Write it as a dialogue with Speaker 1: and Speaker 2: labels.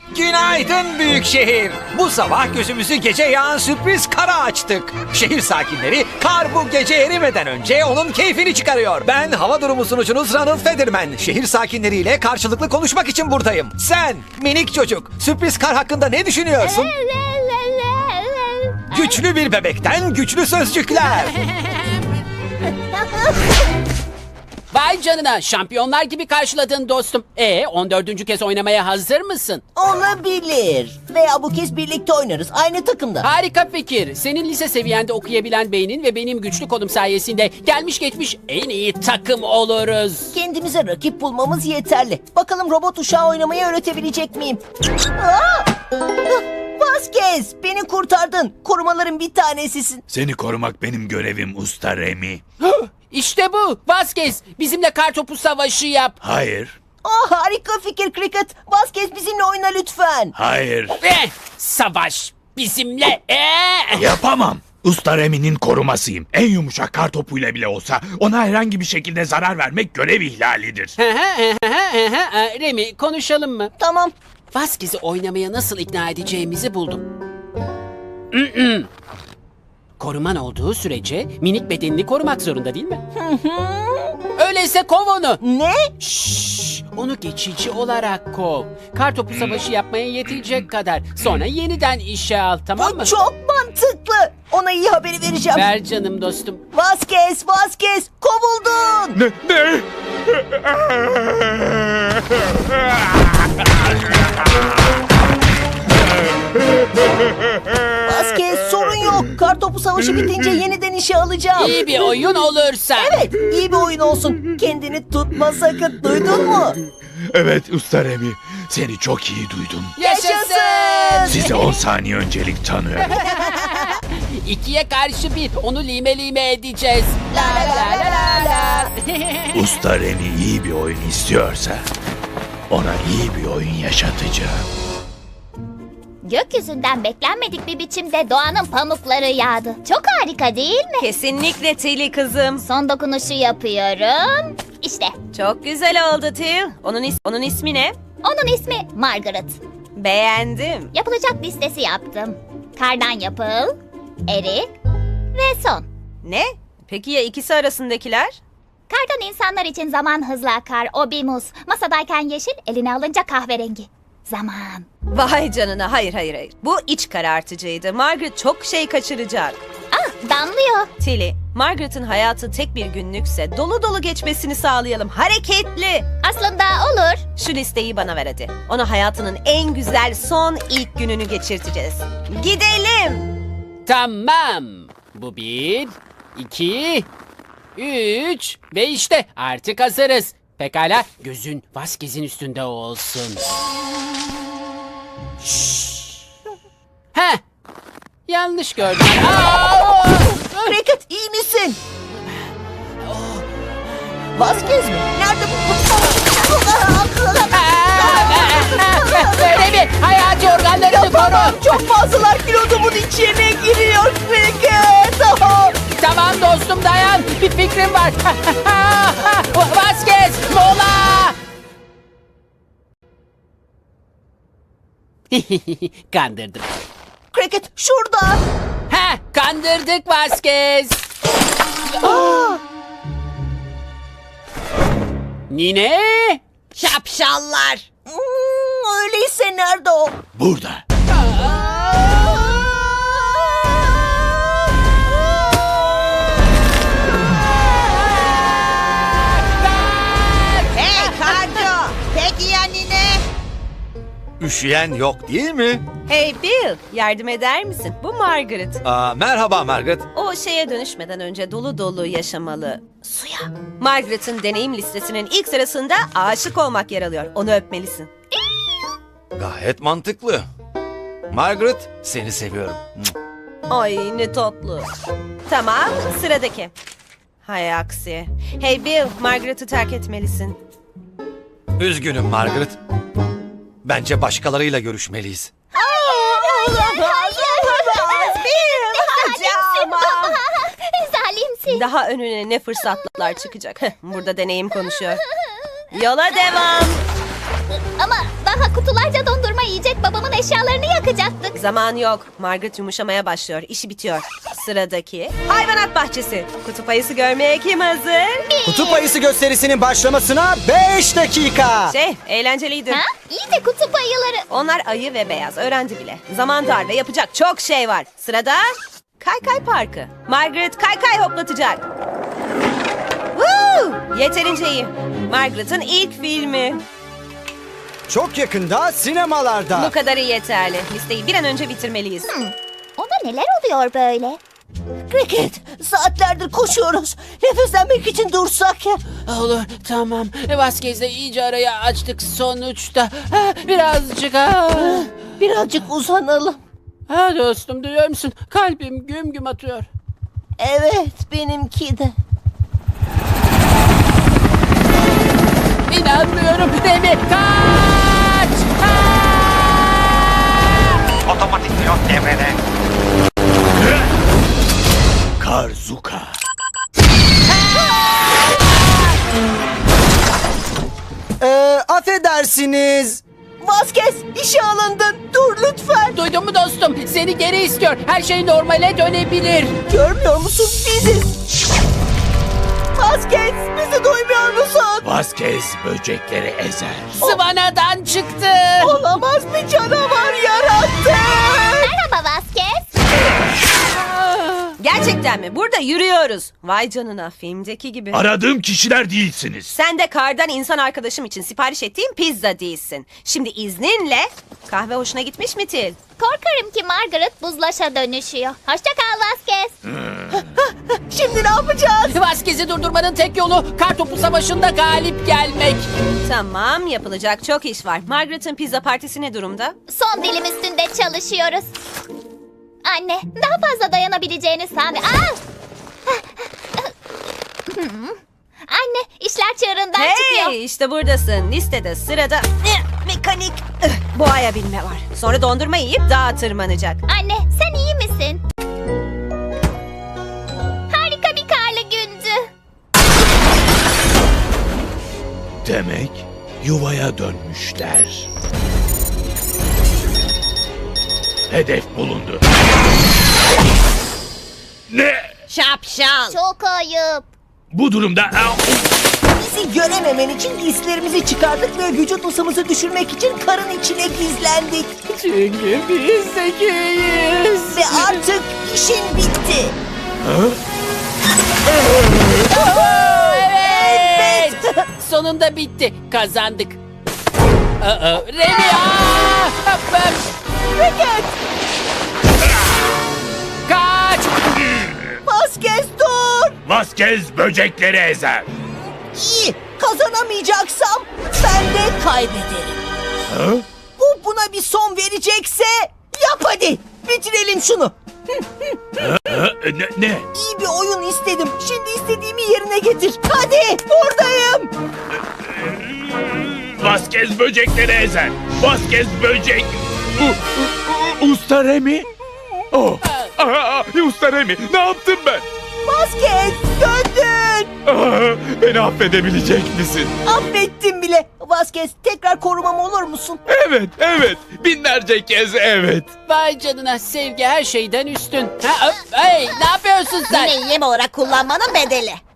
Speaker 1: Günaydın büyük şehir. Bu sabah gözümüzü gece yağan sürpriz kara açtık. Şehir sakinleri kar bu gece erimeden önce onun keyfini çıkarıyor. Ben hava durumu sunucunuz Ronald Federman. Şehir sakinleriyle karşılıklı konuşmak için buradayım. Sen minik çocuk sürpriz kar hakkında ne düşünüyorsun? Güçlü bir bebekten güçlü sözcükler.
Speaker 2: Vay canına, şampiyonlar gibi karşıladın dostum. 14. kez oynamaya hazır mısın?
Speaker 3: Olabilir. Veya bu kez birlikte oynarız. Aynı takımda.
Speaker 2: Harika fikir. Senin lise seviyende okuyabilen beynin ve benim güçlü kolum sayesinde gelmiş geçmiş en iyi takım oluruz.
Speaker 3: Kendimize rakip bulmamız yeterli. Bakalım robot uşağı oynamayı öğretebilecek miyim? Aa! Vasquez, beni kurtardın. Korumaların bir tanesisin.
Speaker 4: Seni korumak benim görevim Usta Remy.
Speaker 2: İşte bu. Vazgeç. Bizimle kartopu savaşı yap.
Speaker 4: Hayır,
Speaker 3: Harika fikir Cricket. Vasquez bizimle oyna lütfen.
Speaker 4: hayır.
Speaker 2: Savaş bizimle.
Speaker 4: Yapamam. Usta Remy'nin korumasıyım. En yumuşak kar topuyla bile olsa ona herhangi bir şekilde zarar vermek görev ihlalidir.
Speaker 2: Remy, konuşalım mı?
Speaker 3: Tamam.
Speaker 2: Vasquez'i oynamaya nasıl ikna edeceğimizi buldum. Koruman olduğu sürece minik bedenini korumak zorunda değil mi? Öyleyse kov onu.
Speaker 3: Ne?
Speaker 2: Şşş, onu geçici olarak kov. Kartopu savaşı yapmaya yetecek kadar. Sonra yeniden işe al, tamam mı?
Speaker 3: Bu çok mantıklı. Ona iyi haberi vereceğim.
Speaker 2: Ver canım dostum.
Speaker 3: Vasquez, kovuldun.
Speaker 4: Ne?
Speaker 3: Vasquez, sorun yok. Kartopu savaşı bitince yeniden işe alacağım.
Speaker 2: İyi bir oyun olursa.
Speaker 3: Evet, iyi bir oyun olsun. Kendini tutma sakın. Duydun mu?
Speaker 4: Evet Usta Remy, seni çok iyi duydum.
Speaker 2: Yaşasın!
Speaker 4: Size 10 saniye öncelik tanıyorum.
Speaker 2: 2'ye karşı 1. Onu lime lime edeceğiz. La la la la la.
Speaker 4: Usta Remy iyi bir oyun istiyorsa ona iyi bir oyun yaşatacağım.
Speaker 5: Gökyüzünden beklenmedik bir biçimde doğanın pamukları yağdı. Çok harika değil mi?
Speaker 6: Kesinlikle Tilly kızım.
Speaker 5: Son dokunuşu yapıyorum. İşte
Speaker 6: Çok güzel oldu Till. Onun ismi ne?
Speaker 5: onun ismi Margaret.
Speaker 6: Beğendim.
Speaker 5: Yapılacak listesi yaptım. Kardan yapıl, eri ve son.
Speaker 6: Ne? Peki ya ikisi arasındakiler?
Speaker 5: Kardan insanlar için zaman hızla akar. O bir muz. Masadayken yeşil, eline alınca kahverengi. Zaman.
Speaker 6: Vay canına, hayır. Bu iç karartıcıydı. Margaret çok şey kaçıracak.
Speaker 5: Damlıyor.
Speaker 6: Tilly, Margaret'ın hayatı tek bir günlükse dolu dolu geçmesini sağlayalım. Hareketli.
Speaker 5: Aslında olur.
Speaker 6: Şu listeyi bana ver hadi. Ona hayatının en güzel son ilk gününü geçirteceğiz. Gidelim.
Speaker 2: Tamam. Bu 1, 2, 3 ve işte artık hazırız. Pekala, gözün Vasquez'in üstünde olsun. Şşş. Heh. Yanlış gördüm.
Speaker 3: Cricket, iyi misin? Vasquez mi? Nerede bu?
Speaker 2: Öyle mi? Hayati organlarını koru.
Speaker 3: Çok fazlalar kilodumun içine giriyor Cricket.
Speaker 2: Tamam dostum, dayan. Bir fikrim var. Vasquez, mola. Kandırdım.
Speaker 3: Cricket, şurada.
Speaker 2: Kandırdık Vasquez. Nine?
Speaker 6: Şapşallar.
Speaker 3: Öyleyse nerede o?
Speaker 4: Burada.
Speaker 6: Hey Kardo. Peki ya nine?
Speaker 1: Üşüyen yok değil mi?
Speaker 6: Hey Bill, yardım eder misin? Bu Margaret.
Speaker 1: Merhaba Margaret.
Speaker 6: O şeye dönüşmeden önce dolu dolu yaşamalı. Suya. Margaret'ın deneyim listesinin ilk sırasında aşık olmak yer alıyor. Onu öpmelisin.
Speaker 1: Gayet mantıklı. Margaret, seni seviyorum.
Speaker 6: Ay ne tatlı. Tamam, sıradaki. Hay aksi. Hey Bill, Margaret'ı terk etmelisin.
Speaker 1: Üzgünüm Margaret. Bence başkalarıyla görüşmeliyiz.
Speaker 5: Zalimsin.
Speaker 6: Daha önüne ne fırsatlar çıkacak. Burada deneyim konuşuyor. Yola devam.
Speaker 5: Ama daha kutularca dondurma yiyecek, babamın eşyalarını yakacaktık.
Speaker 6: Zaman yok. Margaret yumuşamaya başlıyor. İşi bitiyor. Sıradaki hayvanat bahçesi. Kutup ayısı görmeye kim hazır?
Speaker 7: Kutup ayısı gösterisinin başlamasına 5 dakika.
Speaker 6: Eğlenceliydi.
Speaker 5: Ha? İyi de kutup ayıları.
Speaker 6: Onlar ayı ve beyaz. Öğrendi bile. Zaman dar ve yapacak çok şey var. Sırada Kaykay Parkı. Margaret kaykay hoplatacak. Woo! Yeterince iyi. Margaret'ın ilk filmi.
Speaker 7: Çok yakında sinemalarda.
Speaker 6: Bu kadarı yeterli. Listeyi bir an önce bitirmeliyiz.
Speaker 5: Ona neler oluyor böyle?
Speaker 3: Cricket, saatlerdir koşuyoruz. Nefeslenmek için dursak ya.
Speaker 2: Olur, tamam. Vasquez'le iyice arayı açtık sonuçta. Birazcık
Speaker 3: Birazcık uzanalım.
Speaker 2: Ha dostum, duyuyor musun? Kalbim güm güm atıyor.
Speaker 3: Evet, benimki de.
Speaker 2: İnanmıyorum. Demi, kaç!
Speaker 1: Otomatik pilot devrede.
Speaker 4: Karzuka.
Speaker 7: Affedersiniz.
Speaker 3: Vasquez, işe alındın. Dur lütfen.
Speaker 2: Duydun mu dostum? Seni geri istiyor. Her şey normale dönebilir.
Speaker 3: Görmüyor musun? Biziz. Vasquez, bizi duymuyor musun?
Speaker 4: Vasquez böcekleri ezer.
Speaker 2: Sıvanadan çıktı.
Speaker 3: Olamaz, bir canavar yarattı.
Speaker 5: Merhaba Vasquez.
Speaker 6: Gerçekten mi? Burada yürüyoruz. Vay canına, filmdeki gibi.
Speaker 4: Aradığım kişiler değilsiniz.
Speaker 6: Sen de kardan insan arkadaşım için sipariş ettiğim pizza değilsin. Şimdi izninle kahve hoşuna gitmiş mi Til?
Speaker 5: Korkarım ki Margaret buzlaşa dönüşüyor. Hoşça kal Vasquez.
Speaker 3: Şimdi ne yapacağız?
Speaker 2: Vasquez'i durdurmanın tek yolu kartopu savaşında galip gelmek.
Speaker 6: Tamam, yapılacak çok iş var. Margaret'ın pizza partisi ne durumda?
Speaker 5: Son dilim üstünde çalışıyoruz. Anne, daha fazla dayanabileceğini sandı. Anne, işler çığırından çıkıyor.
Speaker 6: Hey, işte buradasın. Listede sırada mekanik boğaya binme var. Sonra dondurma yiyip dağa tırmanacak.
Speaker 5: Anne, sen iyi misin? Harika bir karlı gündü.
Speaker 4: Demek yuvaya dönmüşler. Hedef bulundu. Ne?
Speaker 6: Şapşal.
Speaker 5: Çok ayıp.
Speaker 4: Bu durumda...
Speaker 3: Bizi görememen için giysilerimizi çıkardık ve vücut ısımızı düşürmek için karın içine gizlendik.
Speaker 2: Çünkü biz zekiyiz.
Speaker 3: Ve artık işin bitti.
Speaker 2: Evet. Sonunda bitti. Kazandık. Remy!
Speaker 3: Cricket,
Speaker 2: Kaç!
Speaker 3: Vasquez dur.
Speaker 4: Vasquez böcekleri ezer.
Speaker 3: İyi, kazanamayacaksam ben de kaybederim.
Speaker 4: Ha?
Speaker 3: Bu buna bir son verecekse yap hadi. Bitirelim şunu.
Speaker 4: Ne?
Speaker 3: İyi bir oyun istedim. Şimdi istediğimi yerine getir. Hadi, buradayım.
Speaker 4: Vasquez böcekleri ezer. Vasquez böcek... Usta Remy? Oh. Usta Remy, ne yaptım ben?
Speaker 3: Vasquez, döndün.
Speaker 4: Beni affedebilecek misin?
Speaker 3: Affettim bile. Vasquez, tekrar korumam olur musun?
Speaker 4: Evet. Binlerce kez evet.
Speaker 2: Vay canına, sevgi her şeyden üstün. Hey, ne yapıyorsun sen?
Speaker 3: yem olarak kullanmanın bedeli.